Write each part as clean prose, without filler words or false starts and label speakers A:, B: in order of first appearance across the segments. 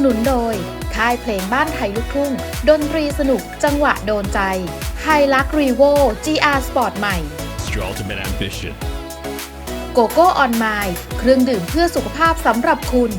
A: นุนโดยค่ายเพลงบ้านไทยลูกทุ่งดนตรีสนุกจังหวะโดนใจไฮลักรีโว GR Sport ใหม่
B: Your ultimate ambition.
A: โกโก้ออนไมล์เครื่องดื่มเพื่อสุขภาพสำหรับคุณ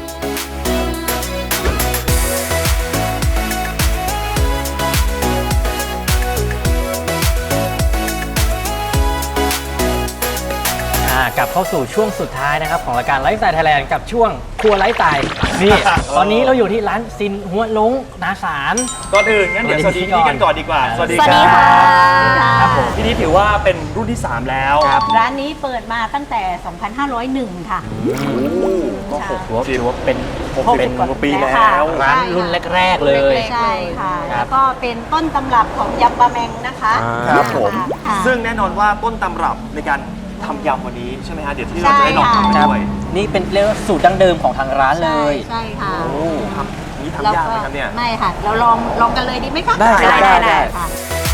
C: กลับเข้าสู่ช่วงสุดท้ายนะครับของรายการไลฟ์สไตล์ไทยแลนด์กับช่วงครัวไลฟ์สไตล์นี่ตอนนี้เราอยู่ที่ร้านซินหัวลงนาสาร
D: ก่อนอื่นงั้นเดี๋ยวสวัสดีพี่นิดกันก่อนดีกว่า
C: สวัสดี
D: ค
C: ค่ะ
D: รับผมพี่นิดถือว่าเป็นรุ่นที่ 3 แล้ว
E: ร้านนี้เปิดมาตั้งแต่ 2501 ค่ะ
D: ก็
C: ถือว่าเป็น
D: กว่าปีแล้ว
C: ร้านรุ่นแรกๆเลย
E: ใช่ค่ะแล้วก็เป็นต้นตำรับของยำปลาแมงนะคะ
D: ครับผม
E: ค่ะ
D: ซึ่งแน่นอนว่าต้นตำรับในการทำยำวันนี้ใช่ไหมฮะเดี๋ยวที่เราจะได้ลองทำกันด้วย
C: นี่เป็นเรียกว่าสูตรดั้งเดิมของทางร้านเลย
E: ใช่ค่ะ
D: ครับนี่ทำยากไหมครับเนี่ย
E: ไม่ค่ะเราลองกันเลยดีไหมคะ
C: ได้
E: ค่ะ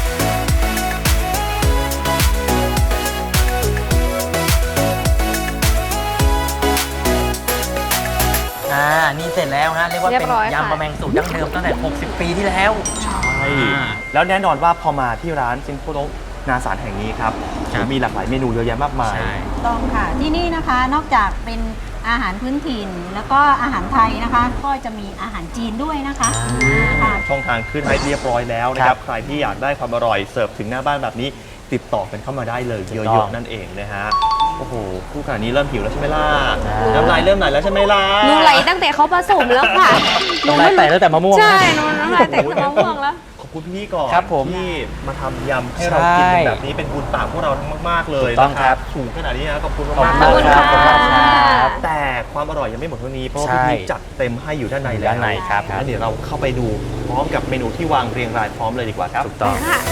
C: นี่เสร็จแล้วฮะเรียกว่าเป็นยำปลาแมงสูตรดั้งเดิมตั้งแต่60 ปีที่แล้ว
D: ใช่แล้วแน่นอนว่าพอมาที่ร้านซินโฟโลนาสารแห่งนี้ครับมีหลากหลายเมนูเยอะแยะมากมาย
E: ต้องค่ะที่นี่นะคะนอกจากเป็นอาหารพื้นถิ่นแล้วก็อาหารไทยนะคะก็จะมีอาหารจีนด้วยนะคะ
D: ช่องทางขึ้นให้เรียบร้อยแล้วนะครับใครที่อยากได้ความอร่อยเสิร์ฟถึงหน้าบ้านแบบนี้ติดต่อกันเข้ามาได้เลยเยอะๆนั่นเองนะฮะโอ้โหคู่ขนาดนี้เริ่มหิวแล้วใช่ไหมล่ะน้ำลายเริ่มไหลแล้วใช่ไหมล่ะ
F: หนูไหลตั้งแต่เขาผสมแล้วค่ะ
C: น้ำลายแตกตั้งแต่มะม่วง
F: ใช่น้ำลายแตกตั้งแต่มะม่วงแล้ว
D: ขอบคุณพี่ก่อนที่มาทำยำให้เรากินแบบนี้เป็นบุญปากพวกเราทั้งมากๆเลยนะครับสูงขนาดนี้นะขอบคุณมากครับแต่ความอร่อยยังไม่หมดเท่านี้เพราะพี่จัดเต็มให้อยู่ด้านในแล้ว
C: ครับ
D: งั้นเดี๋ยวเราเข้าไปดูพร้อมกับเมนูที่วางเรียงรายพร้อมเลยดีกว่าครับ
C: ถูกต้อง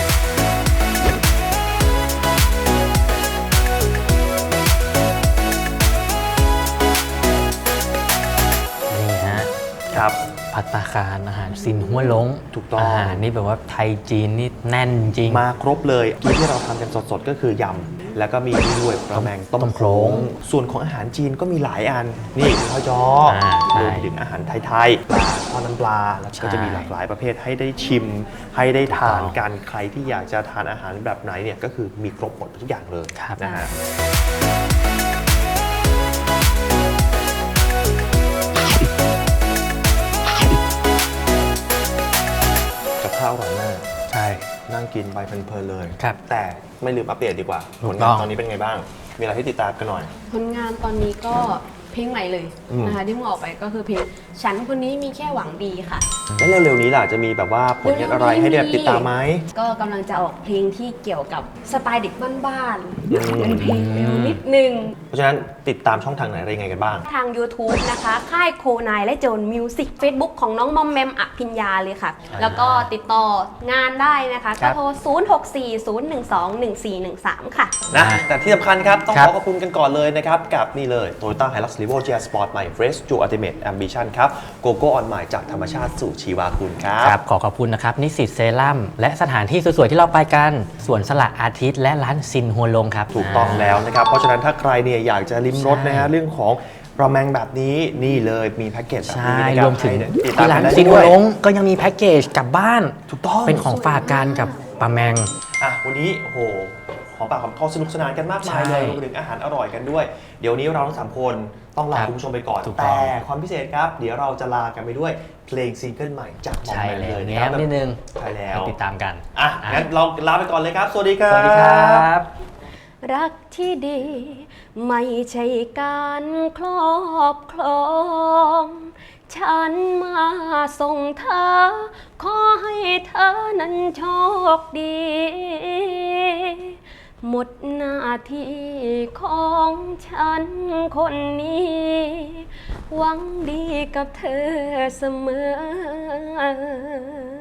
D: ครับ
C: ภัตตาคารอาหารซินหัวลง
D: ถูกต้อง
C: อาหารนี่แบบว่าไทยจีนนี่แน่นจริง
D: มาครบเลยที่เราทำกันสดๆก็คือยำแล้วก็มีนี่ด้วยปลาแมงต้มโขลงส่วนของอาหารจีนก็มีหลายอันนี่ข้าวจ้อรวมถึงอาหารไทยๆปลาทอดน้ำปลาแล้วก็จะมีหลากหลายประเภทให้ได้ชิมให้ได้ทานกันใครที่อยากจะทานอาหารแบบไหนเนี่ยก็คือมีครบหมดทุกอย่างเลยนะฮะข้าวอร่อยมาก
C: ใช่
D: นั่งกินไปเพลินๆเลย
C: ครับ
D: แต่ไม่ลืมอัปเดตดีกว่าผลงานตอนนี้เป็นไงบ้างมีอะไรให้ติดตามกันหน่อย
F: ผลงานตอนนี้ก็เพลงใหม่เลยนะคะที่มึงออกไปก็คือเพลงฉันคนนี้มีแค่หวังดีค่ะ
D: แล้วเร็วๆนี้ล่ะจะมีแบบว่าผลงานอะไรให้ได้ติดตามไหม
F: ก็กำลังจะออกเพลงที่เกี่ยวกับสไตล์เด็กบ้านๆเป็นเพลงเร็วนิดนึง
D: เพราะฉะนั้นติดตามช่องทางไหนอะไรยังไงกันบ้าง
F: ทาง YouTube นะคะค่ายโคนายและโจนมิวสิก Facebook ของน้องมอมแมมอภิญญาเลยค่ะแล้วก็ติดต่องานได้นะคะก็โทร0640121413ค่ะ
D: นะแต่ที่สำคัญครับต้องขอบคุณกันก่อนเลยนะครับกับนี่เลย Toyota Hilux Revo GR Sport ใหม่ Fresh to Ultimate Ambition ครับโกโก้ออนไมล์จากธรรมชาติสู่ชีวาคุณครับ
C: ขอขอบคุณนะครับนิสิตเซรั่มและสถานที่สวยๆที่เราไปกันสวนสละอาทิตย์และร้านซินหัวลงครับ
D: ถูกต้องแล้วนะครับเพราะฉะนั้นถ้าใครเนี่ยอยากจะลิ้มรสนะฮะเรื่องของปลาแมงแบบนี้นี่เลยมีแพ็กเกจแบบนี้
C: รวมถึงที่ร้านซินหัวลงก็ยังมีแพ็กเกจกลับบ้าน
D: ถูกต้อง
C: เป็นของฝากกันกับปลาแมง
D: วันนี้โอ้โหของปากของเขาสนุกสนานกันมากมายเลยรวมถึงอาหารอร่อยกันด้วยเดี๋ยวนี้เราทั้ง3คนต้องลาคุณผู้ชมไปก่อนแต่ความพิเศษครับเดี๋ยวเราจะลากันไปด้วยเพลงซิงเกิลใหม่จากมอมแมมเลย
C: นะครับนิดนึง
D: ใช่แล้ว
C: ติดตามกัน
D: งั้นเราลาไปก่อนเลยครับสวัสดีครับ
C: สวัสดีครับ
F: รักที่ดีไม่ใช่การครอบครองฉันมาส่งเธอขอให้เธอนั้นโชคดีหมดหน้าที่ของฉันคนนี้หวังดีกับเธอเสมอ